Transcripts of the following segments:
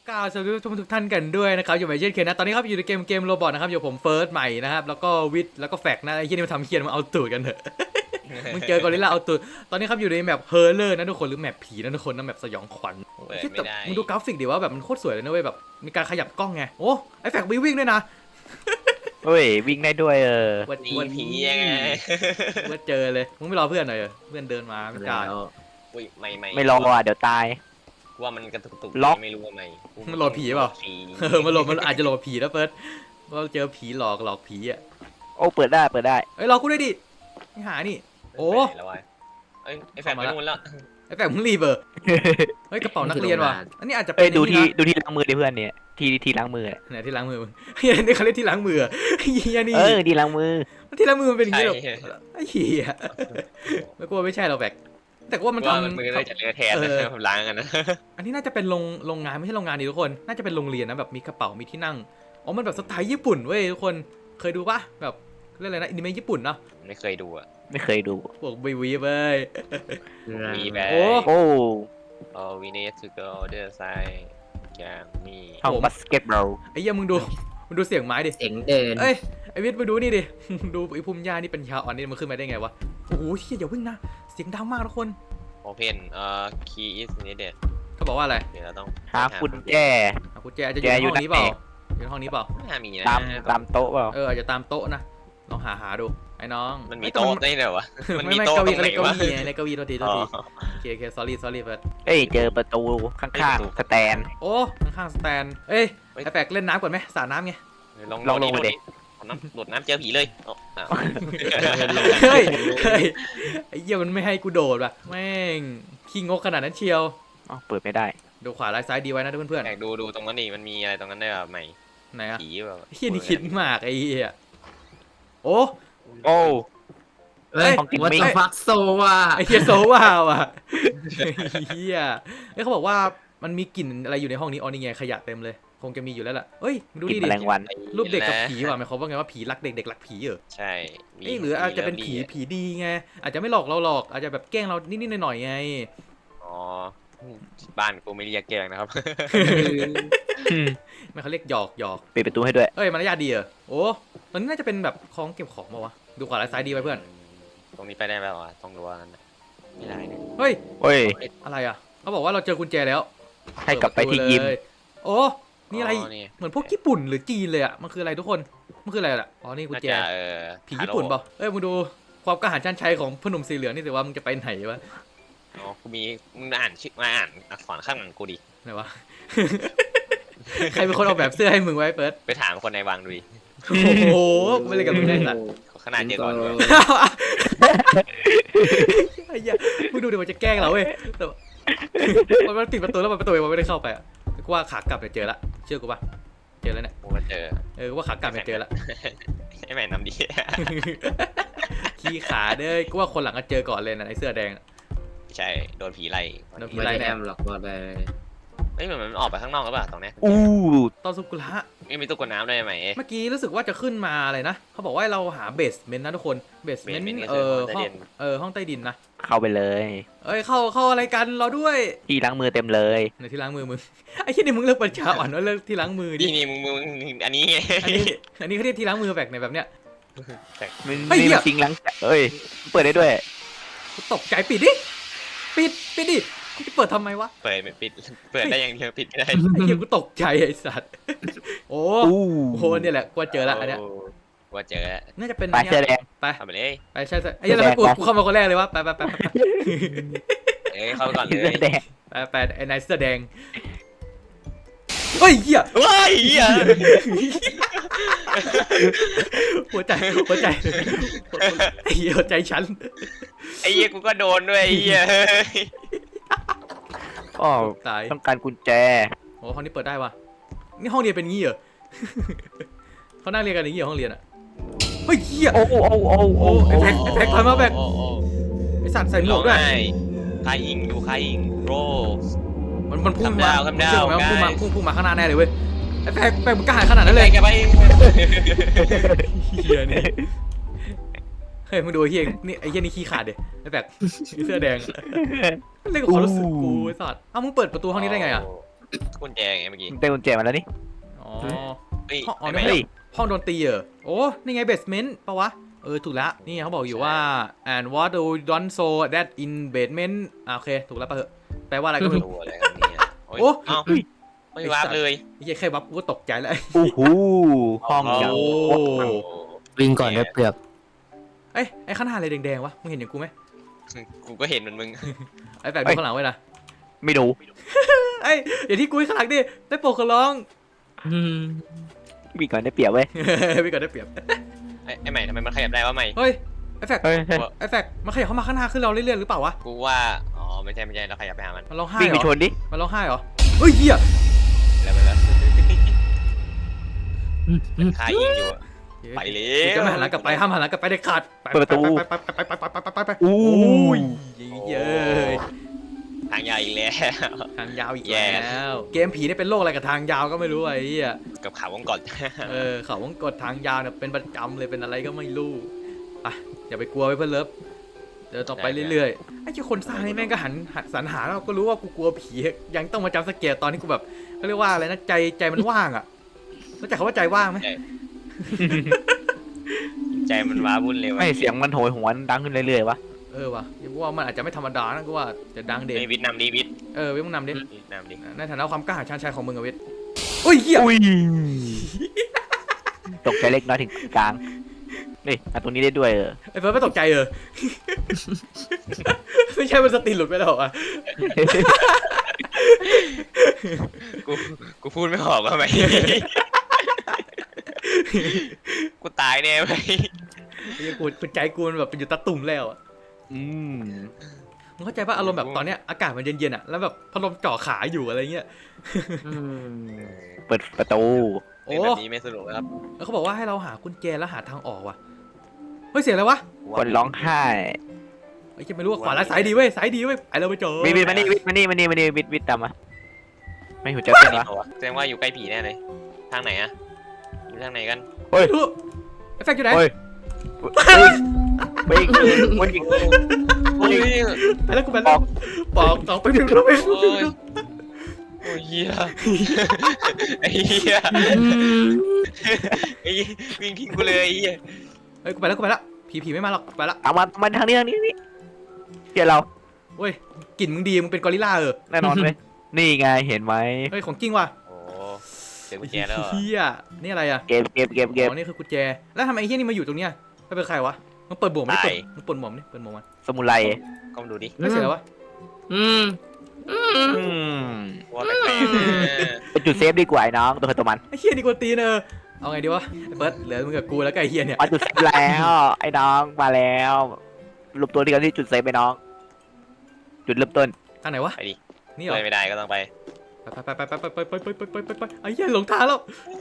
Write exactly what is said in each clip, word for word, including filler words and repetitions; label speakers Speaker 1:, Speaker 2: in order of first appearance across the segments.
Speaker 1: กล่าวสวัสดีทุกท่านกันด้วยนะครับอยู่ใหม่เช่นเคยนะตอนนี้ครับอยู่ในเกมเกมโรบอทนะครับอยู่ผมเฟิร์สใหม่นะครับแล้วก็วิทแล้วก็แฟกนะไอ้ที่นี่มาทำเคียนมาเอาตูดกันเถอะ มึงเจอกอริลลาเอาตูดตอนนี้ครับอยู่ในแมปเฮอร์เลอร์นะทุกคนหรือแมปผีนะทุกคนนะแมปสยองขวัญ
Speaker 2: เปิด
Speaker 1: ที่
Speaker 2: ไม่
Speaker 1: แต่
Speaker 2: ได้
Speaker 1: มึงดูกราฟิกดิว่าแบบมันโคตรสวยเลยนะเว้ยแบบมีการขยับกล้องไงโอ้ไอ้แฟกวิ่งวิ่งด้วยนะ
Speaker 3: เฮ้ยวิ่งได้ด้วยเออ
Speaker 1: วัน
Speaker 2: นี่
Speaker 1: วัน
Speaker 2: ผียังไง
Speaker 1: ว่าเจอเลยมึงไม่รอเพื่อนหน่อยเหรอเพื่อนเดินมาไม่จ่าย
Speaker 2: อุ้ยไม่ไม่
Speaker 3: ไม่รออ่ะเดี๋ยวตาย
Speaker 2: ว่ามันกระตุกตุก
Speaker 3: ล็อก
Speaker 2: ไม่รู้ว่าไม่
Speaker 1: มันหลอกผีเปล่า
Speaker 2: ผี
Speaker 1: เออมันหลอกมันอาจจะหลอกผีนะเฟิร์สว่าเจอผีหลอกหลอกผีอ่ะ
Speaker 3: โอ้เปิดได้เปิดได้
Speaker 1: เอ้ยรอกูด้วยดิไม่หานี่ โอ้
Speaker 2: ไปแล้ววะเอ้ยไอ้แฟนไปนู่นแล้ว
Speaker 1: ไอ้แฟกมึงรีบเออเฮ้ยกระเป๋านักเรียนว่ะอันนี้อาจจะเป็
Speaker 3: เอ้
Speaker 1: น
Speaker 3: ยดูที่
Speaker 1: นี่นะ
Speaker 3: ดูที่ล้างมือดิเพื่อนเนี่ยที่ที่ล้างมือเนี่ย
Speaker 1: ไหนที่ล้างมือมึง เฮียนี่เขาเรียกที่ล้างมืออะเฮียนี่
Speaker 3: เออที่ล้างมือ
Speaker 1: ที่ล้างมือมันเป็นอย่าง
Speaker 2: ใช่
Speaker 1: นี้หรอไอ้เฮียไม่กลัวไม่ใช่เราแบกแต่ว่ามัน
Speaker 2: ว่า
Speaker 1: ทำ
Speaker 2: มันมือได้จะเลือดแทน
Speaker 1: เอ
Speaker 2: นะ
Speaker 1: อ
Speaker 2: ผมล้างกันนะ
Speaker 1: อันนี้น่าจะเป็นโรงโรงงานไม่ใช่โรงงานดิทุกคน น่าจะเป็นโรงเรียนนะแบบมีกระเป๋ามีที่นั่งอ๋อมันแบบสไตล์ญี่ปุ่นเว้ยทุกคนเคยดูปะแบบเรื่องอะไรนะอนิเมะญี่ปุ่นเนาะ
Speaker 2: ไม่เคยดูอ่ะ
Speaker 3: ไม่เคยดู
Speaker 1: พวกวีวีเว้ย
Speaker 2: มีแบบ
Speaker 1: โอ้
Speaker 3: โอ้
Speaker 2: โอ้ we need to go the side อย่างนี้
Speaker 3: ห้องบาสเกตบอล
Speaker 1: ไอ้เหี้ยมึงดูมึงดูเสียงไม้ดิ
Speaker 4: เสียงเดิน
Speaker 1: เอ้ยไอ้วิทย์มาดูนี่ดิ ดูไอ้ภูมิยานี่เป็นยาอ่อนนี่มันขึ้นมาได้ไงวะโอ้โหเฮียอย่าวิ่งนะเสียงดังมากทุกคน
Speaker 2: open เอ่อ key is needed
Speaker 1: เขาบอกว่าอะไร
Speaker 2: เดี๋ยวเราต้อง
Speaker 3: หากุญแจ
Speaker 1: อ่ะกุญแจอาจจะอยู่ในห้องนี้เปล่าอยู่ในห้องนี้เปล่า
Speaker 2: ไม่น่ามีนะ
Speaker 3: ตามตามโต๊ะเปล่า
Speaker 1: เอออาจจะตามโต๊ะนะลองหาหาดูไอ้น้อง
Speaker 2: มันมีโต๊ะได้เหรอวะมัน
Speaker 1: ไม่
Speaker 2: มี
Speaker 1: ไม่
Speaker 2: โต๊ะ
Speaker 1: เก้า
Speaker 2: ตร
Speaker 1: อี้
Speaker 2: งไหน
Speaker 1: เก้าว
Speaker 2: ะ
Speaker 1: อี้ไงในเก้าอี้โทษทีโทษ
Speaker 2: อ๋อ
Speaker 1: ทีโอเคโอเค sorry sorry เฟิร์ส
Speaker 3: เอ้ยเจอประตูข้างๆสแตน
Speaker 1: โอ้ข้างๆสแตนเอ้ยไอ้แปลกเล่นน้ำก่อนไหมสาดน้ำไง
Speaker 2: ลอง
Speaker 3: ลองลงไปดิ
Speaker 2: เอาน้ำโดดน้ำเจอผีเลยอ๋ออ้าว
Speaker 1: เฮ้ยเฮ้ยไอ้เหี้ยมันไม่ให้กูโดดว่ะแม่งขี้งกขนาดนั้นเชียว
Speaker 3: อ๋อเปิดไม่ได้
Speaker 1: ดูขวาซ้ายดีไว้นะเพื่อน
Speaker 2: อยากดูดูตรงนั้นนี่มันมีอะไรตรงนั้นได้แบบใหม่
Speaker 1: ๆไหนอะ
Speaker 2: ผีแบบ
Speaker 1: เฮียนี่คิดมากไอ้เหี้ยโอ้
Speaker 3: โอ้
Speaker 4: เฮ้ย
Speaker 3: ของกิน
Speaker 4: วัต
Speaker 3: ไม่
Speaker 4: ถุฟักโซว่ะ
Speaker 1: ไอ้เฮียโซว่าว่ะเฮียเอ้ยเขาบอกว่ามันมีกลิ่นอะไรอยู่ในห้องนี้อ๋อนี่ไงขยะเต็มเลยคงจะมีอยู่แล้วล่ะเฮ้ยมึงดู
Speaker 3: กิน
Speaker 1: นี่
Speaker 3: แม
Speaker 1: ดิ
Speaker 3: ลงวัน
Speaker 1: รูปเด็กกับผีว่ะหมายความว่าไงว่าผีรักเด็กเด็กรักผีเหรอ
Speaker 2: ใช่มี
Speaker 1: เอ้ยหรืออาจจะเป็นผีผีดีไงอาจจะไม่หลอกเราหรอกอาจจะแบบแกล้งเรานิดๆหน่อยๆไง
Speaker 2: อ๋อบ้านกูไม่เรียกแกล้งนะครับ
Speaker 1: ไม่เขาเรียกหยอกหยอก
Speaker 3: ปิดประตูให้ด้วย
Speaker 1: เอ้ยมารยาทดีเหรอโอ้ตอนนี้น่าจะเป็นแบบของเก็บของมาวะดูขวาซ้ายดีไว้เพื่อน
Speaker 2: ตรงนี้ไปได้ไหมวะต้องดูว่านั้นน่ะไม่ได้เนี่ย
Speaker 1: เฮ้ย
Speaker 3: เฮ้ย
Speaker 1: อะไรอ่ะเขาบอกว่าเราเจอกุญแจแล้ว
Speaker 3: ให้กลับไปที่ยิม
Speaker 1: เปิดประตูเลยโอ้นี่อะไร
Speaker 2: นี่
Speaker 1: เหมือนพวกญี่ปุ่นหรือจีนเลยอ่ะมันคืออะไรทุกคนมันคืออะไรอ่ะอ๋อนี่กุญ
Speaker 2: น่า
Speaker 1: แจ
Speaker 2: จะเออ
Speaker 1: ผีญี่ปุ่นเปล่าเอ้ยมึงดูความกล้าหาญชันชัยของพอหนุ่มสีเหลืองนี่สิว่ามึงจะไปไหนวะ
Speaker 2: อ๋อกูมีมึงอ่านชื่อมาอ่านอักษรข้างหลังกูดิ
Speaker 1: ไหนวะ ใครเป็นคนออกแบบเสื้อให้มึงไว้เปิด
Speaker 2: ไปถามคนในวังดูดิ
Speaker 1: โอ้โหไม่เลยกับมึงได้สัตว์
Speaker 2: ขนาดเจอก่อนด้วย
Speaker 1: ไอ้เหี้ยมึงดูดิมันจะแกล้งเราเว้ยแต่ว่ามันมันปิดประตูแล้วมันประตูมันไม่ได้เข้าไปอ่ะกูว่าขากลับเนี่ยเจอละเชื่อกูป่ะเจอแล้วเนี่ย
Speaker 2: กูมาเจอ
Speaker 1: เออกูว่าขากลับเนี่ยเจอละ
Speaker 2: ไอ้แม่น้ำดี
Speaker 1: ขี้ขาเด้อกูว่าคนหลังก็เจอก่อนเลยนะไอ้เสื้อแดง
Speaker 2: ใช่โดนผีไล่
Speaker 1: โดนผี
Speaker 4: ไม่
Speaker 1: ไล่
Speaker 4: ได้
Speaker 1: แน่
Speaker 4: แอมหรอกบอกเลย
Speaker 2: เฮ้ยเหมือนมันออกไปข้างนอกหรือเปล่าตรงเนี้ย
Speaker 3: อู้
Speaker 1: ตอนสุกุระ
Speaker 2: ไม่มีตู้กดน้ำด้วยไหมเอ๊ะ
Speaker 1: เมื่อกี้รู้สึกว่าจะขึ้นมาอะไรนะเขาบอกว่าเราหาเบสเมนต์นะทุกคนเบสเมนต์
Speaker 2: basement ก็
Speaker 1: เอ
Speaker 2: คือ
Speaker 1: อ
Speaker 2: ห้
Speaker 1: ห้
Speaker 2: อ
Speaker 1: อง ง
Speaker 2: ใต้ดิน
Speaker 1: เออห้องใต้ดินนะ
Speaker 3: เข้าไปเลย
Speaker 1: เอ้ยเข้าเข้าอะไรกันเราด้วย
Speaker 3: ที่ล้างมือเต็มเลย
Speaker 1: ในที่ล้างมือมึง ไอ้ที่นี่มึงเลิกปัญญาอ่อนว่าเลิกที่ล้างมือดิ
Speaker 2: นี่นี่มึงมึงมึงอันนี้ไง
Speaker 1: อันนี้อันนี้เขาเรียกที่ล้างมือแบบไหนแบบเนี้ย
Speaker 3: มัน
Speaker 1: เฮ้ย
Speaker 3: นี่
Speaker 1: เหี้ย
Speaker 3: มันจริงล้างเอ้ยเปิดได้ด้วย
Speaker 1: กูตกใจปิดดิปิดปิดดิกูจะเปิดทำไมวะ
Speaker 2: เปิดไม่ปิดเปิดได้อย่างเดียวปิดไม่ได้
Speaker 1: ไอ้เหี้ยกูตกใจไอ้สัตว์โอ้
Speaker 3: อู้
Speaker 1: โหเนี่ยแหละกูว่าเจอละอันเนี้ย
Speaker 2: โว่าเจอแล้ว
Speaker 1: น่าจะเป็น
Speaker 3: ไป
Speaker 1: เนี่ย
Speaker 3: เสื้อแดง
Speaker 1: ไป
Speaker 2: เอาไปเลย
Speaker 1: ไปใช่ใช่ไอ้เหี้ยแล้วกูกูเข้ามาคนแรกเลยวะไปไปไปไป
Speaker 2: เอ้ยเข้าไปก่อนเล
Speaker 3: เสื้อย แดง
Speaker 1: ไปไปไอ้นายเสื้อแดงเฮ้ยเหี้ย
Speaker 2: ว้ายเหี้ย
Speaker 1: หัวใจหัวใจไอ้เหี้ยหัวใจฉัน
Speaker 2: ไอ้เหี้ยกูก็โดนด้วยไอ้เหี้ย
Speaker 3: อ๋อ
Speaker 1: ตาย
Speaker 3: ต้องการกุญแจ
Speaker 1: โอ้ห้องนี้เปิดได้วะนี่ห้องเรียนเป็นงี้เหรอ เขานั่งเรียนกันอย่างงี้เหรอห้องเรียนอ่ะเฮ้ยเหี้ย
Speaker 3: โอ้โอ้โอ้โอ้โอ้
Speaker 1: ไอ้แพ็คไอ้แพ็คถอยมาแพ็ค
Speaker 2: โอ้โอ้
Speaker 1: ไอ้สัตว์ใส่หมวกด้วย
Speaker 2: ใครยิงดูใครยิงโรส
Speaker 1: มันมันพุ่ง
Speaker 2: คำ
Speaker 1: มา
Speaker 2: ดาวคำดาว
Speaker 1: เชื่อไหมว่าพุ่งมา
Speaker 2: guys
Speaker 1: พุ่งพุ่งมาข้างหน้าแน่เลยเว้ยไอ้แพ็คแพ็คมันกล้าหาญขนาดนั้นเลย
Speaker 2: แกไป
Speaker 1: เฮียนี่เฮ้ยมึงดูไอ้เฮียนี่ไอ้เฮียนี่ขี้ขาดเด็ไอ้แพ็คเสื้อแดงเล่นกับความรู้สึกกูไอ้สัตว์เอ้ามึงเปิดประตูห้องนี้ได้ไงอ่ะ
Speaker 2: กุญแจไงเมื่อกี้
Speaker 3: เต็มกุญแจมาแล้วนี่
Speaker 1: อ๋อ
Speaker 2: เฮ้ย
Speaker 1: ห้องอ๋อ
Speaker 2: ไอ้
Speaker 1: นี่
Speaker 2: แม่
Speaker 3: เฮ้ย
Speaker 1: ห้องดนตรีเหรอโอ้นี่ไงเบสเมนต์ปะวะเออถูกแล้วนี่เขาบอกอยู่ว่า and what do don't so that in basement อ่ะโอเคถูกแล้วปะเหอะแปลว่าอะไรก็ไม่รู้
Speaker 2: ตัวอะไรกันเนี่ยโอ้ย
Speaker 1: โอ้
Speaker 2: เอ้าไม่วาร์ปเลย
Speaker 1: ไอ้เหี้ยแค่บัฟกูก็ตกใจแล้ว
Speaker 3: โอ้โหห้อง
Speaker 2: โอ้
Speaker 3: อย่าง
Speaker 1: โอ้
Speaker 5: วิ่งก่อนได้เปรียบ
Speaker 1: เอ้ยไอ้ข้างหน้าอะไรแดงๆวะมึงเห็นอย่างกูไหม
Speaker 2: กูก็เห็นเหมือนมึง
Speaker 1: ไอ้แฝกดูข้างหลังไว้นะ
Speaker 3: ไม่ดู
Speaker 1: เอ้ยอย่าที่กูข้างหลังดิได้โปรดขอร้อง
Speaker 3: มีก่อนได้เปรียบเว้ย
Speaker 1: พี่ก่อนได้เปรียบ
Speaker 2: ไอ้ไอ้ใหม่ทำไมมันขยับได้วะใหม่
Speaker 1: เฮ้ยไอ้แฝก
Speaker 3: เฮ้ยเฮ้ย
Speaker 1: ไอ้แฝกมันขยับเข้ามาข้างหน้าขึ้นเราเรื่อยๆหรือเปล่าวะ
Speaker 2: กูว่าอ๋อไม่ใช่ไม่ใช่เราขยับไปหามัน
Speaker 1: มันร้องไห้
Speaker 3: วิ่ง
Speaker 1: เห
Speaker 3: ไป
Speaker 1: ร
Speaker 3: ช
Speaker 1: อน
Speaker 3: ดิ
Speaker 1: มันร้องไห้เหรอเฮ้ยเหี้ย
Speaker 2: แล้วไปแล้วคายิงอยู่อะไปเลย
Speaker 1: จะไม่หันหลังกลับไปห้ามหันหลังกลับไปเด็ดขาดไป
Speaker 3: เปิดประตู
Speaker 1: ไปไปไปไปไปไปไปไปไป
Speaker 3: อู้
Speaker 1: อุ้ยเย้ย
Speaker 2: ทางยาวอีกแล้ว
Speaker 1: ทางยาวอีก
Speaker 2: แย่
Speaker 1: แล้วเกมผีเนี่ยเป็นโรคอะไรกับทางยาวก็ไม่รู้ไอ้เหี้ย
Speaker 2: กับข่าววงก่อน
Speaker 1: เออเขาวงกดทางยาวเนี่ยเป็นประจำเลยเป็นอะไรก็ไม่รู้อ่ะอย่าไปกลัวไว้เพื่อนเลิฟเดินต่อไปเรื่อยๆไอ้เจ้าคนสร้างนี่แม่งก็หันหันสรรหาแล้วก็รู้ว่ากูกลัวผียังต้องมาจำสเกตตอนที่กูแบบเขาเรียกว่าอะไรนะใจใจมันว่างอ่ะรู้จักคำว่าใจว่างไหม
Speaker 2: ใจมันว้าวุ่นเลยว่ะ
Speaker 3: ไม่เสียงมันโหยหวนดังขึ้นเรื่อยๆวะ
Speaker 1: เออว่ะยังว่ามันอาจจะไม่ธรรมดานะกูว่าจะดังเด่น
Speaker 2: ไอ้วิทย์นำดีวิทย์
Speaker 1: เออเว้ยมึงนำดิ
Speaker 2: วิทย์นำดิ
Speaker 1: ในฐานะความกล้าหาญชาญชัยของมึงอะเวทอุ้ยเหี้ย
Speaker 3: อุ้ยตกใจเล็กน้อยถึงกลางนี่อันตรงนี้ได้ด้วยเออ
Speaker 1: ไอ้เฟิร์สไม่ตกใจเออ ไม่ใช่มันสติหลุดไปแล้วอ่ะ
Speaker 2: กูกูพูดไม่ออกว่าไหม กูตายแน่ไหม
Speaker 1: ไอ้กูกูใจกูมันแบบเป็นอยู่ตะตุ่มแล้วอ่ะ
Speaker 3: อืม
Speaker 1: มึงเข้าใจป่ะอารมณ์แบบตอนเนี้ยอากาศมันเย็นๆอ่ะแล้วแบบพัดลมจ่อขาอยู่อะไรเงี้ย
Speaker 3: เปิดประตู
Speaker 1: โอ้
Speaker 2: เป็นแบบนี้ไม่สนุกนะครับ
Speaker 1: แล้วเขาบอกว่าให้เราหากุญแจแล้วหาทางออกว่ะเฮ้ยเสียงอะไรวะ
Speaker 3: คนร้องไห้
Speaker 1: ไอ้เหี้ยไม่รู้ว่าขวาและซ้ายดีเว้ยซ้ายดีเว้ยไอ้เราไปเจอ
Speaker 3: วิทวิทมานี่วิทมานี่มานี่มานี่วิทวิทตามมาไม่หัวใจเต้นวะ
Speaker 2: แสดงว่าอยู่ใกล้ผีแน่เลย ทางไหนอะอยู่ทางไหนกัน
Speaker 3: เฮ้ย
Speaker 1: ไม่รู้ไอ้แฟกอยู่ไหน
Speaker 3: เฮ้ยไปอีกวนอีก
Speaker 2: โอ้ย
Speaker 1: ไปแล้วกูไปแล้วปอกสองไปหนึ่งแล้วไป
Speaker 2: โอ้ยโอ้ยเฮียไอ้เฮียไอ้วิ่งทิ้งกูเลยไอ้เฮีย
Speaker 1: เฮ้ยกูไปแล้วกูไปแล้วผีผีไม่มาหรอกไปละ
Speaker 3: เอามามาทางนี้ทางนี้นี่เดี๋ยวเรา
Speaker 1: เว้ยกลิ่นมึงดีมึงเป็นกอริลลาเออ
Speaker 3: แน่นอนเลยนี่ไงเห็นไหม
Speaker 1: เฮ้ยของจริงว่ะ
Speaker 2: โอ้เจอกุญแจแล้วเหรอ
Speaker 1: เฮียนี่อะไรอ่ะ
Speaker 3: เกมเกมเกมเกม
Speaker 1: อ๋อนี่คือกุญแจแล้วทำไมไอ้เฮียนี่มาอยู่ตรงเนี้ยไม่เป็นใครวะมึงเปิดบวกไม่เปิดมึงเปิดหมวกนี่เปิดหมวกมัน
Speaker 3: สมุไร
Speaker 2: ก็มาดูดิ
Speaker 1: ไม่เสียแล้ววะ
Speaker 5: อืม
Speaker 3: อืม
Speaker 2: ว่าแปลกๆนะ
Speaker 3: เป็นจุดเซฟดีกว่าไอ้น้องตัวใครตัวมัน
Speaker 1: ไอ้เฮียนี่กวนตีนเออเอาไงดีวะไอ้เฟิร์สเหลือมึงกับกูแล้วก็ไอ้เฮียเนี่ย
Speaker 3: มาจุดเซฟแล้วไอ้น้องมาแล้วรวมตัวที่กันที่จุดเซฟไปน้อง จุดเริ่มต้น
Speaker 1: ทางไหนวะ
Speaker 2: ไปดิ
Speaker 1: นี่เหรอ
Speaker 2: ไปไม่ได้ก็ต้องไป
Speaker 1: ไปไปไปไปไปไปไปไปไปไปไปไอ้เฮียหลงทางแล้ว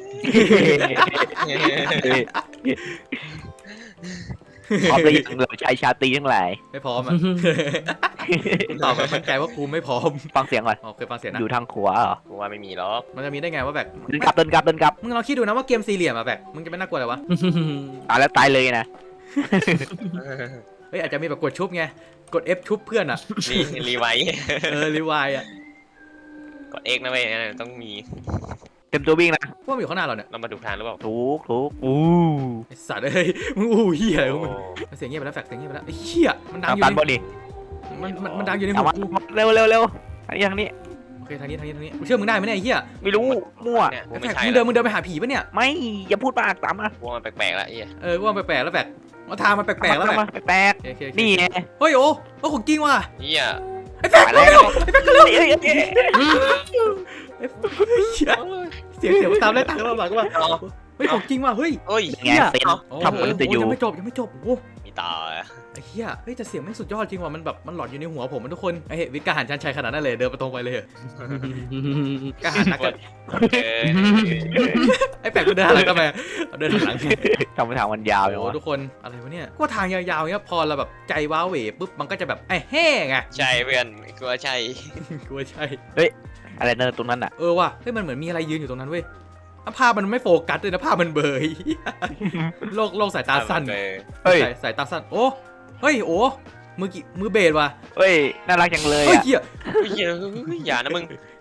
Speaker 3: พร้อมเลยยังเราใช้ชาตรีทั้งหลาย
Speaker 1: ไม่พร้อมอ่ะกูตอบแบบมั่นใจว่ากูไม่พร้อม
Speaker 3: ฟังเสียงก่อน
Speaker 1: อ๋อเคยฟังเสียงนะ
Speaker 3: อยู่ทางขวาเหรอ
Speaker 2: กูว่าไม่มีหรอก
Speaker 1: มันจะมีได้ไงว่าแบบ
Speaker 3: เดินกลับเดินกลับเดินกลับ
Speaker 1: มึงลองคิดดูนะว่าเกมสี่เหลี่ยมอะแบบมึงจะไม่น่ากลัวเลยวะ
Speaker 3: อ่ะแล้วตายเลยนะ
Speaker 1: เฮ้ยอาจจะมีแบบกดชุบไงกด F ชุบเพื่อนอ่ะ
Speaker 2: นี่รีไวท์
Speaker 1: เออรีวายอ่ะ
Speaker 2: กดเอ็กนะเว้ยนั่นต้องมี
Speaker 3: เต็มตัววิ่งนะ
Speaker 1: ว่ามันอยู่ข้างหน้าเราเนี่ย
Speaker 2: เรามาดูทางหรือเปล่า
Speaker 3: ถูกถูกอู้
Speaker 1: ไอสัตว์เอ้ยมึงอู้เหี้ยอะไร
Speaker 2: โอ้
Speaker 1: ของมึงเสียงเงียบไปแล้วแฟกเสียงเงียบไปแล้วไอ้เหี้ยมันดัง
Speaker 3: ทาง
Speaker 1: อยู่
Speaker 3: ตัน
Speaker 1: ใน
Speaker 3: บอลดิ
Speaker 1: มันมันมันดังอยู่ใน
Speaker 3: เอา
Speaker 1: หู
Speaker 3: มา
Speaker 1: กู
Speaker 3: เร็วเร็วเร็วอันนี้ทางนี้
Speaker 1: โอเคทางนี้ทางนี้ทางนี้กูเชื่อมึงได้ไหมเนี่ยไอ้เหี้ย
Speaker 3: ไม่รู้มั่ว
Speaker 2: เนี่ยกู
Speaker 1: ไอ้
Speaker 2: ไม่
Speaker 1: แฟก
Speaker 2: ใช่
Speaker 1: มึง
Speaker 2: แล้
Speaker 1: เดิ
Speaker 2: วน
Speaker 1: มึงเดินไปหาผีปะเนี่ย
Speaker 3: ไม่อย่าพูดมากตามมา
Speaker 2: กูว่ามันแปลกๆแล้วไอ้เหี้ย
Speaker 1: เออว่ามันแปลกๆแล้วแฟกว่าทางมันแปลกๆแล้วแฟก
Speaker 3: มาแปลก
Speaker 1: โอเคโอเค
Speaker 3: ๆนี่ไง
Speaker 1: เฮ้ยโอ้โอ้ของจริงว่ะ
Speaker 2: เหี้ย
Speaker 1: ไอ้แฟก
Speaker 3: มา
Speaker 1: เร็
Speaker 3: แล้ว
Speaker 1: วไอ้แฟกเร็ว
Speaker 3: เอ้ยเอ้ยเอ้ย
Speaker 1: ไอ้เหี้ยเสียงเสียงมันตามไล่ตามกันมาหลังว่าเฮ้ยของจริงว่ะเฮ้ย
Speaker 2: โอ้ย
Speaker 3: ไงเซน
Speaker 1: โอ้
Speaker 3: ทำมันจะอยู่
Speaker 1: ยังไม่จบยังไม่จบโอ้
Speaker 2: มีต่อ
Speaker 1: ไอ้เหี้ยเฮ้ยแต่เสียงไม่งสุดยอดจริงว่ะมันแบบมันหลอนอยู่ในหัวผมมันทุกคนไอ้เฮ้ยวิทย์กล้าหาญชันชัยขนาดนั้นเลยเดินไปตรงไปเลยเหรอกล้าหาญนักกัน
Speaker 2: เออ
Speaker 1: ไอ้แปลกมันเดินหันหลังทำไมเดินหันหลัง
Speaker 3: ทำไปทางมันยาว
Speaker 1: โอ้
Speaker 3: อย่าง
Speaker 1: โห
Speaker 3: วะ
Speaker 1: ทุกคนอะไรวะเนี่ยก็ทางยาวๆเงี้ยพอเราแบบใจว้าเหวปุ๊บมันก็จะแบบไอ้แห้งไง
Speaker 2: ใช่เพื่อนกูว่าใช่
Speaker 1: กลัวใช่
Speaker 3: อะไรเนินตรงนั้นอ่ะ
Speaker 1: เออว่ะเฮ้ยมันเหมือนมีอะไรยืนอยู่ตรงนั้นเว้ยภาพมันไม่โฟกัสเลยนะภาพมันเบยโลกโลกสายตาสั้น
Speaker 2: เออ
Speaker 3: เฮ้ย
Speaker 1: สายสายตาสั้นโอ้เฮ้ยโอ้มือกี่มือเบสว่ะ
Speaker 3: เฮ้ยน่ารักจังเลย
Speaker 1: เฮ้ย
Speaker 3: อ่ะ
Speaker 1: เหี้ย
Speaker 2: เฮ้ยอย่านะมึง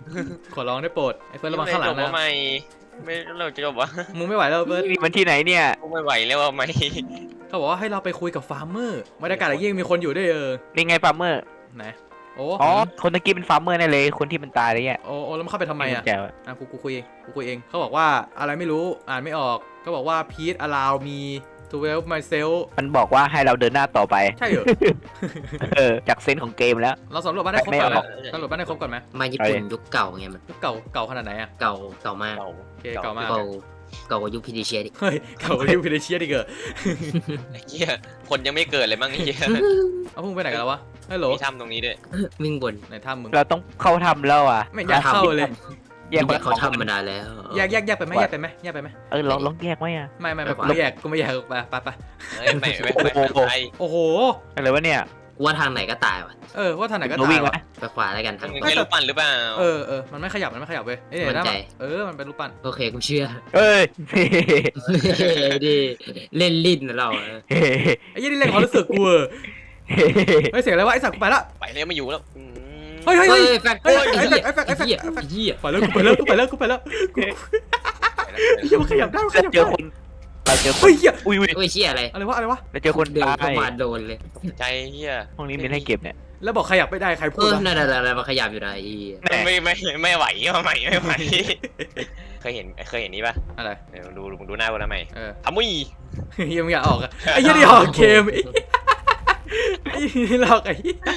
Speaker 1: ขอร้องได้โปรดไอ้เฟิร์สระวังข้างหลัง
Speaker 2: ไม่จบ
Speaker 1: นะ
Speaker 2: ว่าไม่ไม่เราจะจบวะ
Speaker 1: มึงไม่ไหวแล้วเฟิร์ส
Speaker 3: นี่มันที่ไหนเนี่ย
Speaker 2: กูไม่ไหวแล้วว่าไม่
Speaker 1: เขาบอกว่าให้เราไปคุยกับฟาร์มเมอร์บรรยากาศอย่างยิ่งมีคนอยู่ด้วยเออ
Speaker 3: นี่ไงฟาร์มเมอร์
Speaker 1: ไหนโอ้
Speaker 3: อ๋อคนตะกี้เป็นฟาร์มเมอร์แน่เลยคนที่มันตายอะไรเงี้ย
Speaker 1: โอ้โอ้แล้วมันเข้าไปทำไมอ่ะ
Speaker 3: แจ๋ว
Speaker 1: อ่ะกูกูคุยเองกูคุยเองเขาบอกว่าอะไรไม่รู้อ่านไม่ออกก็บอกว่า Please allow me to help myself
Speaker 3: มันบอกว่าให้เราเดินหน้าต่อไป
Speaker 1: ใช่เหรอ
Speaker 3: เออจากเซนส์ของเกมแล้ว
Speaker 1: เราสำรวจบ้านได้ครบก่อนไหม
Speaker 3: ไม่ออก
Speaker 1: สำรวจบ้านได้ครบก่อนไหม
Speaker 5: มาญี่ปุ่นยุคเก่าไงมัน
Speaker 1: เก่าเก่าขนาดไหนอ่ะ
Speaker 5: เก่าเก่ามาก
Speaker 2: เก่า
Speaker 1: โอเคเก่ามาก
Speaker 5: เก่าเก่ากว่ายุคพีดีเชียดิ
Speaker 1: เฮ้ยเก่ากว่ายูพิเดเชียดิเกอร์
Speaker 2: ไอ้เหี้ยคนยังไม่เกิดเลยมั้งไอ้เหี้ย
Speaker 1: เอาพวกมึงไปไหนกันแล้ววะฮัลโหล
Speaker 2: มีถ้ำตรงนี้ด้วย
Speaker 5: วิ่งบน
Speaker 1: ในถ้ำมึง
Speaker 3: เราต้องเข้าทำแล้วอ่ะ
Speaker 1: ไม่อยากเข้าเลย
Speaker 3: แยก
Speaker 5: แยกเขาทำมานานแล้ว
Speaker 1: แยกแยกแยกไปไหมแยกไปไหมแยกไปไหม
Speaker 3: เออลองลองแยกไหมอ่ะ
Speaker 1: ไม่ไม่ไม่กูไม่แยกกูไม่แยกไปไปไป
Speaker 2: เอ้ยไม่ไม่ไม่
Speaker 3: โอ้โห
Speaker 2: ไป
Speaker 1: โอ้โห
Speaker 3: อะไรวะเนี่ย
Speaker 5: กูว่าทางไหนก็ตายว่ะ
Speaker 1: เออว่าทางไหนก็
Speaker 3: เรา
Speaker 1: ตา
Speaker 3: วิ่
Speaker 1: ย
Speaker 3: งไหม
Speaker 1: วะ
Speaker 5: ไปขวาแล้วกันทาง
Speaker 2: มึง
Speaker 5: ขวา
Speaker 2: ไม่รู้ปั่นหรือเปล่า
Speaker 1: เออเออมันไม่ขยับมันไม่ขยับเว้ยเอ้ยเนี่ย
Speaker 5: มั่น
Speaker 1: นะ
Speaker 5: ใจ
Speaker 1: เออมันเป็นรูปปั้น
Speaker 5: โอเคกูเชื่อ
Speaker 3: เอ้ย
Speaker 5: ดิเล่นลิ้นนะเราอะ
Speaker 3: เฮ้
Speaker 1: ไอ้ยี่นี่เล่นความรู้สึกกูเออเฮ้ยเสียงอะไรวะไอ้สัตว์กูไปละ
Speaker 2: ไปแล้วไม่อยู่แล้วอืม
Speaker 1: เฮ้ยเฮ้ย
Speaker 5: เฮ้
Speaker 1: เฮ้
Speaker 5: ย
Speaker 1: ย
Speaker 5: แฟก
Speaker 1: เฮ้ย
Speaker 5: ไอ้
Speaker 1: ไอ้
Speaker 5: เหี้ย
Speaker 1: แฟกไอ้แฟก
Speaker 5: ไอ้
Speaker 1: ไอ้แฟก
Speaker 5: เหี้ย
Speaker 1: ไอ้แฟก
Speaker 5: ไอ้เหี้ย
Speaker 1: ไปแล้วกูไปแล้วกูไปแล้วกูไปแล้วกู
Speaker 2: ไปแล้ว
Speaker 1: เฮียมันขยับได้มันข
Speaker 3: เรา
Speaker 1: ยับ
Speaker 3: เจอ
Speaker 1: ได้
Speaker 3: คนเราเจอค
Speaker 1: เฮ้
Speaker 3: น
Speaker 1: ยเฮีย
Speaker 3: อุ้ยอุ้ย
Speaker 5: โอ้ยเชี่ยอะไร
Speaker 1: อะไรวะอะไรวะ
Speaker 3: เราเจอคน
Speaker 5: เดิน
Speaker 3: ตา
Speaker 5: เข้าย มาโดนเลย
Speaker 2: ใจเหี้ย
Speaker 3: ห้องนี้มีให้เก็บเนี่ย
Speaker 1: แล้วบอกขยับไม่ได้ใครพู
Speaker 5: เอ
Speaker 1: ด
Speaker 5: อ
Speaker 1: วะ
Speaker 5: นั่นนั่นมาขยับอยู่ไหนไอ้เหี้ย
Speaker 3: แม่
Speaker 2: ไม่ไม่ไม่ไหวว่าไม่ไม่ไหวเคยเห็นเคยเห็นนี้ป่ะ
Speaker 1: อะไร
Speaker 2: เดี๋ยวดูดูดูหน้ากูนะใหม่
Speaker 1: เออ
Speaker 2: ทำมุ้ย
Speaker 1: เฮียมึงอยากออกอะไอ้เฮียนี่ออกเกมไอ้เฮียนี่หลอกไอ้เฮีย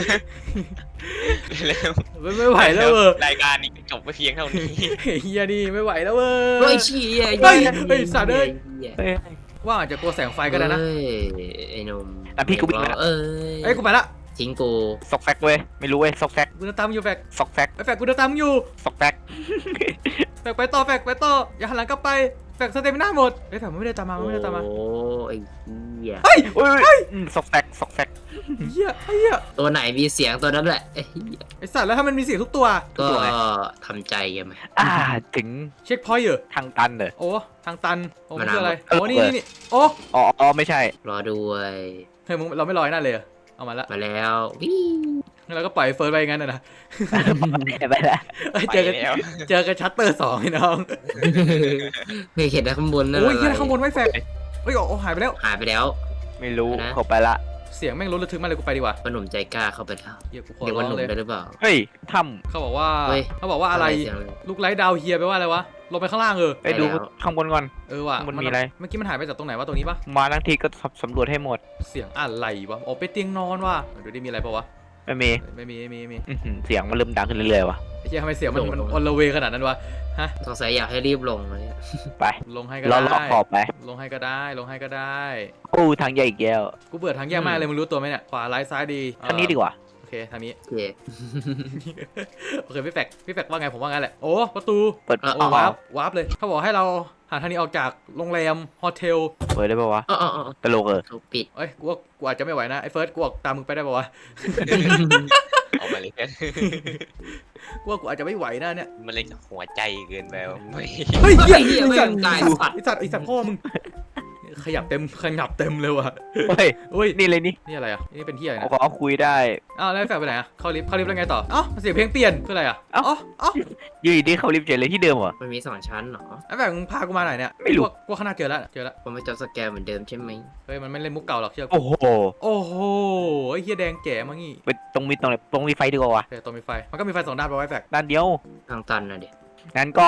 Speaker 2: เร็ว
Speaker 1: ไม่ไม่ไหวแล้วเว้ย
Speaker 2: รายการนี้จบไปเพียงเท่านี้
Speaker 1: ไอ้เฮียนี่ไม่ไหวแล้วเว้
Speaker 5: เฮ้
Speaker 1: ย
Speaker 5: ยเชี่ย
Speaker 1: เฮ้ยเฮ้ยสัตว์เอ้ย
Speaker 5: หี้ย
Speaker 3: เฮ้ย
Speaker 1: ว่าอาจจะกลัวแสงไฟก็ได้นะ
Speaker 5: เฮ้ยไอ้หนุ่ม
Speaker 3: อ่ะพี่กูวิ่งมาแล้ว
Speaker 5: เอ้
Speaker 1: เอ้ย
Speaker 5: ย
Speaker 1: กูไปละ
Speaker 5: ทิ้งกู
Speaker 3: ซอกแซกเว้ยไม่รู้เว้ยซอกแซก
Speaker 1: กูจะตามอยู่แฟก
Speaker 3: ซอกแซก
Speaker 1: ไอ้แฟกกูจะตามอยู่
Speaker 3: ซอกแซก
Speaker 1: แฟกไปต่อแฟกไปต่ออย่าหันหลังกลับไปแฟกสเตมิน่าหมดไอ้ยแฟกมันไม่ได้ตามมามันไม่ได้ตามมา
Speaker 5: โอ้ไอ้เหี้ย
Speaker 1: เฮ้ย
Speaker 3: อุ้ยอุ้ยอืมซอกแซกซอกแซก
Speaker 1: เฮียไอ้เฮีย
Speaker 5: ตัวไหนมีเสียงตัวนั้นแหละไอ้เหี้ย
Speaker 1: ไอ้สัตว์แล้วถ้ามันมีเสียงทุกตัว
Speaker 5: ก็
Speaker 3: ตัวไหน
Speaker 5: ทำใจกันไหม
Speaker 3: อ่าถึง
Speaker 1: เช็คพอยต์เหรอ
Speaker 3: ทางตันเลย
Speaker 1: โอ้ทางตันโอ้มัน
Speaker 5: มะนาว
Speaker 1: คืออะไร
Speaker 3: เออ
Speaker 1: โอ้นี่นี่นี่โอ้
Speaker 3: อ๋ออ๋อไม่ใช่
Speaker 5: รอด้วย
Speaker 1: เฮ้ยมึงเราไม่ลอยหน้าเลยเหรอเอามาละ
Speaker 5: มาแล้ววิ่ง
Speaker 1: งั้นเราก็ปล่อยเฟิร์สไปงั้นนะนะ
Speaker 3: ไปแล้ว
Speaker 1: เอ้ย
Speaker 2: ไป
Speaker 1: เจอกัน
Speaker 2: แล้ว
Speaker 1: เจอกันชัตเตอร์สองไอ้น้อง
Speaker 5: ไม่เห็นนะข้างบนนั่น
Speaker 1: โอ้ย
Speaker 5: อะไร
Speaker 1: เฮียข้างบนไว้แฟกเฮ้ยโอ้หายไปแล้ว
Speaker 5: หายไปแล้ว
Speaker 3: ไม่รู้
Speaker 5: นะ
Speaker 3: เขาไปละ
Speaker 1: เสียงแม่งรถระทึกมากเลยกูไปดีกว่า
Speaker 5: ว่าหนุ่มใจกล้าเข้าไปแล้ว
Speaker 1: เฮียกูขอ
Speaker 5: เรียก
Speaker 1: ร้
Speaker 5: ว่า
Speaker 1: อง
Speaker 5: หนุ่ม
Speaker 1: เลย
Speaker 5: ได้หรือเปล่า
Speaker 3: เฮ้ยถ้
Speaker 1: เขาบอกว่า
Speaker 5: เฮ้ย
Speaker 1: เขาบอกว่าอะไร
Speaker 5: เสียงเลย
Speaker 1: ลูกไลท์ดาวเฮียแปลว่าอะไรวะลงไปข้างล่างเออ
Speaker 3: ำไปดู
Speaker 5: ไปแล้ว
Speaker 3: ข้างบนก่อน
Speaker 1: เออว่ะ
Speaker 3: มันมีอะไร
Speaker 1: เมื่อกี้มันหายไปจากตรงไหนวะตรงนี้ปะ
Speaker 3: มาทั้งทีก็สำรวจให้หมด
Speaker 1: เสียงอะไรวะอ๋อไปนเตียงนอนว่ะเดี๋ยวได้มีอะไรปะวะ
Speaker 3: ไม่มี
Speaker 1: ไม่มีไม่มีไม่มี
Speaker 3: อื้อหือเสียงมันเริ่มดังขึ้นเรื่อยๆว่ะ
Speaker 1: ไอ้เฮียทำไมเสียงมันมันออนละเวขนาดนั้นวะ
Speaker 5: สงสัยอยากให้รีบลงเลย
Speaker 3: ไป
Speaker 1: ลงให้ก็
Speaker 3: เรา
Speaker 1: ได้
Speaker 3: เลาะขอบไป
Speaker 1: ลงให้ก็ได้ลงให้ก็ได้
Speaker 3: โอ้ทางใหญ่อีกแล้ว
Speaker 1: กูเบื่อทางแยกมากเลยมึงรู้ตัวไหมเนี่ยขวาร้ายซ้ายดี
Speaker 3: ทางนี้ดีกว่า
Speaker 1: โอเคทางนี้
Speaker 5: โอเค
Speaker 1: โอเคพี่แฟกพี่แฟกว่าไงผมว่างั้นแหละโอ้ประตู
Speaker 3: เปิด
Speaker 5: เออ
Speaker 1: โอ้วาร์ปวาร์ปเลยเขาบอกให้เราหาทางนี้ออกจากโรงแรมโฮเทล
Speaker 3: เปิดได้ปะวะ
Speaker 5: อ๋ออ๋ออ๋อ
Speaker 3: ตลกเออ
Speaker 5: เขาปิด
Speaker 1: เอ้ยกูว่ากูอาจจะไม่ไหวนะไอ้เฟิร์สกูออกตามมึงไปได้ปะวะ
Speaker 2: เอามาเลย
Speaker 1: กูว่ากูอาจจะไม่ไหวนะเนี่ย
Speaker 2: มันเลยหัวใจเกินไปว่ะไม่
Speaker 1: เฮ้ยเหี้ย
Speaker 5: เหี้ย
Speaker 1: ไอ้
Speaker 5: ไม่
Speaker 1: สัตว์
Speaker 5: ตาย
Speaker 1: ไอ้สัตว์ไอ้สัตว์ไอ้สัตว์พ่อมึงขยับเต็มขยับเต็มเลยว่ะ
Speaker 3: เฮ้ย
Speaker 1: เฮ้ย
Speaker 3: นี่เลยนี่
Speaker 1: นี่อะไรอ่ะนี่เป็นที่อะไร
Speaker 3: เอา
Speaker 1: นะ
Speaker 3: ขอคุยได้
Speaker 1: อ้าวแล้วไอ้แฟกไปไหนอ่ะเข้าลิฟต์เข้าลิฟต์แล้วไงต่อเอ้าเสียงเพลงเปลี่ยนคืออะไรอ่ะ
Speaker 3: เอ้า
Speaker 1: อ๋ออ๋อ
Speaker 3: อยู่ดีๆเขาลิฟต์เฉยเลยที่เดิมเหรอ
Speaker 5: มันมีสองชั้นเหรอ
Speaker 1: ไอ้แฟกมึงพากูมาไหนเนี่ย
Speaker 3: ไม่รู้
Speaker 1: กูว่ากูว่าข้างหน้าเจอแล้วเจอแล้ว
Speaker 5: ผมไม่จอสแกนเหมือนเดิมใช่ไหม
Speaker 1: เฮ้ยมันไม่เล่นมุกเก่าหรอกเชื่อกู
Speaker 3: โอ้โห
Speaker 1: โอ้โหไอ้เฮียแดงแจ๋มางี้
Speaker 3: ไปตรงมีตรงไหนตรงมีไฟดีกว่าวะ
Speaker 1: แต่ตัวมีไฟมันก็มีไฟสองด้านไปะไว้แฟก
Speaker 3: ด้านเดียว
Speaker 5: ทางตันนะเด็ก
Speaker 3: งั้นก็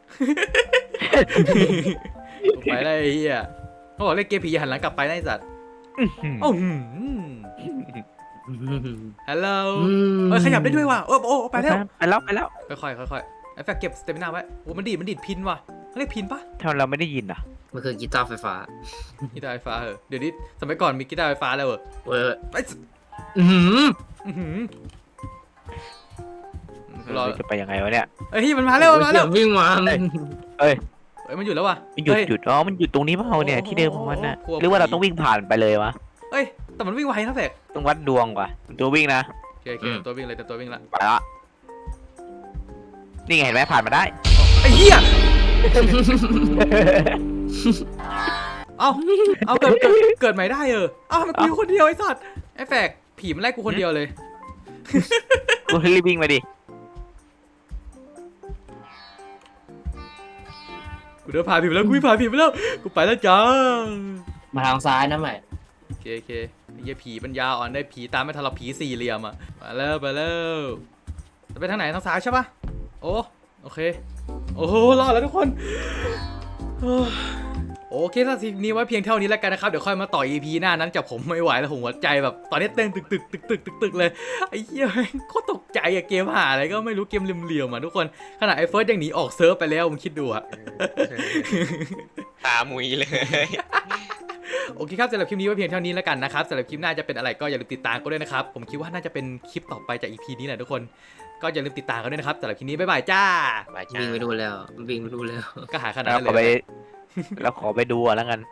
Speaker 1: ไปได้ไอ้เฮียเขาบอกเล่นเกมผีอย่าหันหลังกลับไปนะไอ้สัตว์
Speaker 3: อื้อหือ
Speaker 1: โอ้โหฮัลโหลเอ้ยขยับได้ด้วยว่ะโอ้โอ้ไปแล้ว
Speaker 3: ไปแล้วไปแล้ว
Speaker 1: ค่อยๆค่อยๆไอ้แฟกเก็บสเตมินาไว้โอ้มันดีดมันดีดพินว่ะเขาเรียกพินปะ
Speaker 3: ทำไมเราไม่ได้ยินอ่ะ
Speaker 5: มันคือกีตาร์ไฟฟ้า
Speaker 1: กีตาร์ไฟฟ้าเหรอเดี๋ยวนี้สมัยก่อนมีกีตาร์ไฟฟ้าแล้วเหรอ
Speaker 5: เว้ย
Speaker 1: ไอ้ย
Speaker 5: อื้อหือ
Speaker 1: อื้อหือรอ
Speaker 3: เราจะไปยังไงวะเนี่ย
Speaker 1: เอ้ยมันมาแล้วมันมาแล้ว
Speaker 5: เสียงวิ่งมา
Speaker 1: เอ้ยมันหยุดแล้วว่ะ
Speaker 3: มันหยุด
Speaker 1: เฮ้ย
Speaker 3: หยุดอ๋อมันหยุดตรงนี้เปล่าเนี่ย
Speaker 1: โอ้โห
Speaker 3: ที่เดิมของมันน่ะ
Speaker 1: กลัว
Speaker 3: หรือว่าเรา
Speaker 1: ผี
Speaker 3: ต้องวิ่งผ่านไปเลยวะ
Speaker 1: เอ้ยแต่มันวิ่งไวนะแฟก
Speaker 3: ต้องวัดดวงว่ะตัววิ่งนะ
Speaker 1: โอเคโอเคตัววิ่งเลยแต่ตัววิ่งละ
Speaker 3: ไปละนี่ไงเห็นไหมผ่านมาได้
Speaker 1: ไอ้เหี้ยเอ้าเอาเกิดเกิดเกิดใหม่ได้เออเอ้าทำไมกูอยู่คนเดียวไอ้สัตว์ไอ้แฟกผีมันไล่กูคนเดียวเลย
Speaker 3: กูรีบวิ่งมาดิ
Speaker 1: กูเดินผ่านผีไปแล้วกูผ่านผีไปแล้วกูไปแล้วจ้า
Speaker 5: มาทางซ้ายนะใหม่
Speaker 1: โอเคโอเคไอ้เหี้ยผีปัญญาอ่อนได้ผีตามไม่ทันเราผีสี่เหลี่ยมอ่ะมาแล้วไปแล้วจะไปทางไหนทางซ้ายใช่ปะโอ้โอเคโอ้โหรอดแล้วทุกคนโอ้โอเคถ้าทีนี้ไว้เพียงเท่านี้แล้วกันนะครับเดี๋ยวค่อยมาต่อ อี พี หน้านั้นจากผมไม่ไหวแล้วผมหัวใจแบบตอนนี้เต้นตึกตึกตึกตึกตึกตึกเลยไอ้เหี้ยโคตรตกใจอะเกมหาอะไรก็ไม่รู้เกมเหลี่ยมๆอะทุกคนขนาดไอ้เฟิร์สยังหนีออกเซิร์ฟไปแล้วมึงคิดดูอะ
Speaker 2: ตามุยเลย
Speaker 1: โอเคครับสำหรับคลิปนี้ไว้เพียงเท่านี้แล้วกันนะครับสำหรับคลิปหน้าจะเป็นอะไรก็อย่าลืมติดตามกันด้วยนะครับผมคิดว่าน่าจะเป็นคลิปต่อไปจาก อี พี นี้แหละทุกคนก็อย่าลืมติดตามกันด้วยนะครับสำหรับคลิปนี้บ๊ายบายจ้า
Speaker 2: บายจ้า
Speaker 5: วิ่งไปดูแล้ววิ่งไปดูแล้ว
Speaker 1: ก็หาขนาด
Speaker 3: แล้ว
Speaker 1: นั้น
Speaker 3: ขอไป
Speaker 1: เลย
Speaker 3: แล้วขอไปดูอ่ะแล้วกัน